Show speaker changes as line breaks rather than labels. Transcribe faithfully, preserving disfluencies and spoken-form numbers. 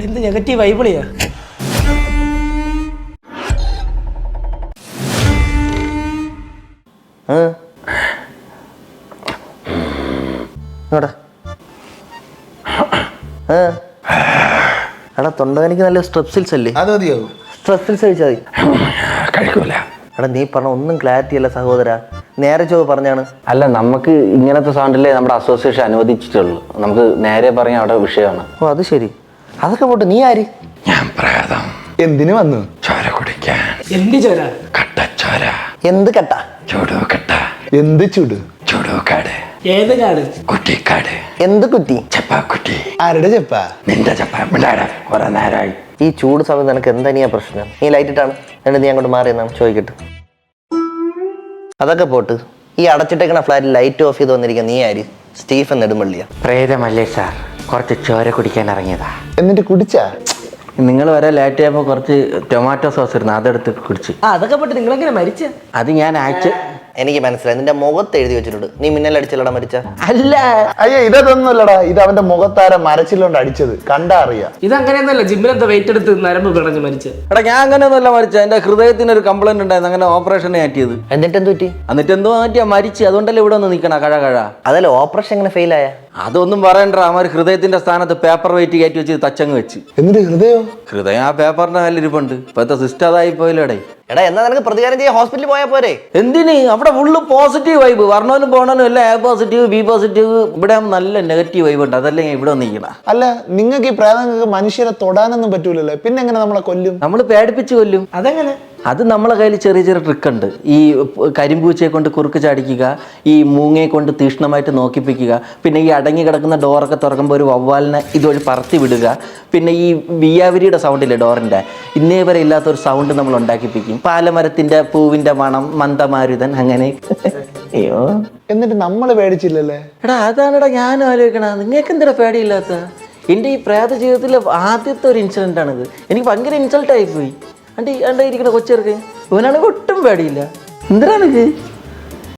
എന്ത് നെഗറ്റീവ് വൈബിളിയാ.
എടാ തൊണ്ടവേനിക്ക് നല്ല സ്ട്രെപ്സിൽസ് അല്ലേ?
അത് മതിയോ?
സ്ട്രെപ്സിൽസ് കഴിച്ചാൽ മതി.
കഴിക്കൂല.
എടാ നീ പറഞ്ഞ ഒന്നും ക്ലാരിറ്റി അല്ല സഹോദര, നേരെ ചോ പറഞ്ഞാണ്.
അല്ല, നമുക്ക് ഇങ്ങനത്തെ സൗണ്ടല്ലേ നമ്മുടെ അസോസിയേഷൻ അനുവദിച്ചിട്ടുള്ളൂ. നമുക്ക് നേരെ പറയാൻ അവിടെ വിഷയമാണ്.
ഓ അത് ശരി. അതൊക്കെ പോട്ട് നീ ആര്?
ഞാൻ പ്രേതം.
എന്തിനു വന്നു?
ചോര കുടിക്കാൻ.
എന്ത് ചോര?
കട്ടച്ചോര.
എന്ത് കട്ട?
ചൂടു കട്ട.
എന്ത് ചൂട്?
ചൂടുകാട്.
ഏത് കാട്?
കുട്ടിക്കാട്.
എന്ത് കുറ്റി?
ചപ്പാക്കുട്ടി.
ആരുടെ ചെപ്പ?
നിന്റെ ചപ്പ പിള്ളേടെ കുറെ നേരമായി.
ഈ ചൂട് സമയത്ത് നിനക്ക് എന്താ പ്രശ്നം? നീ ലൈറ്റ് ഇട്ടാണ് എന്നിട്ട് നീ അങ്ങോട്ട് മാറിയെന്നാണ് ചോദിക്കട്ടെ. അതൊക്കെ പോട്ട് ഈ അടച്ചിട്ടേക്കണ ഫ്ലാറ്റിൽ ലൈറ്റ് ഓഫ് ചെയ്ത് വന്നിരിക്കുക നീ ആര്? സ്റ്റീഫൻ നെടുമ്പള്ളിയാ?
പ്രേതമല്ലേ സാർ, കുറച്ച് ചോര കുടിക്കാൻ ഇറങ്ങിയതാ.
എന്നിട്ട് കുടിച്ചാ?
നിങ്ങൾ വരെ ലേറ്റ് ആയപ്പോൾ കുറച്ച് ടൊമാറ്റോ സോസ് ഇരുന്നു, അതെടുത്ത് കുടിച്ച്.
ആ അതൊക്കെ പോട്ട് നിങ്ങളെങ്ങനെ മരിച്ച?
അത് ഞാൻ അയച്ച്.
എനിക്ക് മനസ്സിലായി, നിന്റെ മുഖത്ത് എഴുതി വെച്ചിട്ടുണ്ട് നീ മിന്നലടിച്ചല്ലടാ മരിച്ച.
അല്ല
അയ്യോ ഇതൊന്നുമല്ലടാ, ഇത് അവന്റെ മുഖത്താര മരച്ചില്ലോണ്ട് അടിച്ചത് കണ്ടാ അറിയാം.
ഇതങ്ങനെയൊന്നുമല്ല, ജിമ്മിലെന്താ വെയിറ്റ് എടുത്ത് നരമ്പ് പിണഞ്ഞ് മരിച്ച.
എടാ ഞാൻ അങ്ങനെയൊന്നുമല്ല മരിച്ച, എന്റെ ഹൃദയത്തിന് ഒരു കംപ്ലൈന്റ് ഉണ്ടായിരുന്നു, അങ്ങനെ ഓപ്പറേഷൻ മാറ്റിയത്.
എന്നിട്ട് എന്ത് പറ്റി?
എന്നിട്ട് എന്തോ മാറ്റിയാ മരിച്ചു. അതുകൊണ്ടല്ലേ ഇവിടെ ഒന്ന് നിൽക്കണ കഴ കഴ.
അതല്ല ഓപ്പറേഷൻ എങ്ങനെ ഫെയിൽ ആയ?
അതൊന്നും പറയണ്ട, അവർ ഹൃദയത്തിന്റെ സ്ഥാനത്ത് പേപ്പർ വെയിറ്റ് കയറ്റി വെച്ച് തച്ചങ്ങ് വെച്ച്.
എന്നിട്ട് ഹൃദയോ?
ഹൃദയം ആ പേപ്പറിന്റെ മേലെ ഇരിപ്പുണ്ട്. ഇപ്പത്തെ സിസ്റ്റം അതായി പോയില്ലേടേ.
എടാ എന്നാ നിനക്ക് പ്രതികാരം ചെയ്യാൻ ഹോസ്പിറ്റലിൽ പോയാൽ പോരെ?
എന്തിന്? അവിടെ ഫുള്ള് പോസിറ്റീവ് വൈബ്, വരണവനും പോണവനും എല്ലാം എ പോസിറ്റീവ് ബി പോസിറ്റീവ്. ഇവിടെ നല്ല നെഗറ്റീവ് വൈബ് ഉണ്ട്, അതല്ലേ ഞാൻ ഇവിടെ വന്നിരിക്കണ.
അല്ല നിങ്ങൾക്ക് ഈ പ്രേതങ്ങൾക്ക് മനുഷ്യരെ തൊടാനൊന്നും പറ്റൂലല്ലോ, പിന്നെ എങ്ങനെ നമ്മളെ കൊല്ലും?
നമ്മൾ പേടിപ്പിച്ച് കൊല്ലും.
അതെങ്ങനെ?
അത് നമ്മളെ കയ്യിൽ ചെറിയ ചെറിയ ട്രിക്ക് ഉണ്ട്. ഈ കരിമ്പൂച്ചയെ കൊണ്ട് കുറുക്ക് ചാടിക്കുക, ഈ മൂങ്ങയെ കൊണ്ട് തീഷ്ണമായിട്ട് നോക്കിപ്പിക്കുക, പിന്നെ ഈ അടങ്ങി കിടക്കുന്ന ഡോറൊക്കെ തുറക്കുമ്പോൾ ഒരു വവ്വാലിനെ ഇതുവഴി പറത്തി വിടുക, പിന്നെ ഈ വിയാവിരിയുടെ സൗണ്ടില്ലേ ഡോറിൻ്റെ, ഇന്നേ വരെ ഇല്ലാത്തൊരു സൗണ്ട് നമ്മൾ ഉണ്ടാക്കിപ്പിക്കും. പാലമരത്തിൻ്റെ പൂവിൻ്റെ മണം, മന്ദമാരുതൻ, അങ്ങനെ. അയ്യോ
എന്നിട്ട് നമ്മൾ പേടിച്ചില്ലല്ലേ?
എടാ അതാണെടാ ഞാനും ആലോചിക്കണ, നിങ്ങൾക്ക് എന്തിനാ പേടിയില്ലാത്ത? എൻ്റെ ഈ പ്രേത ജീവിതത്തിലെ ആദ്യത്തെ ഒരു ഇൻസിഡൻ്റ് ആണിത്. എനിക്ക് ഭയങ്കര ഇൻസൾട്ടായിപ്പോയി. അണ്ട് അണ്ട ഇരിക്കണ കൊച്ചിറക്ക് ഇവനാണെങ്കിൽ ഒട്ടും പേടിയില്ല. എന്തിനാണിത്?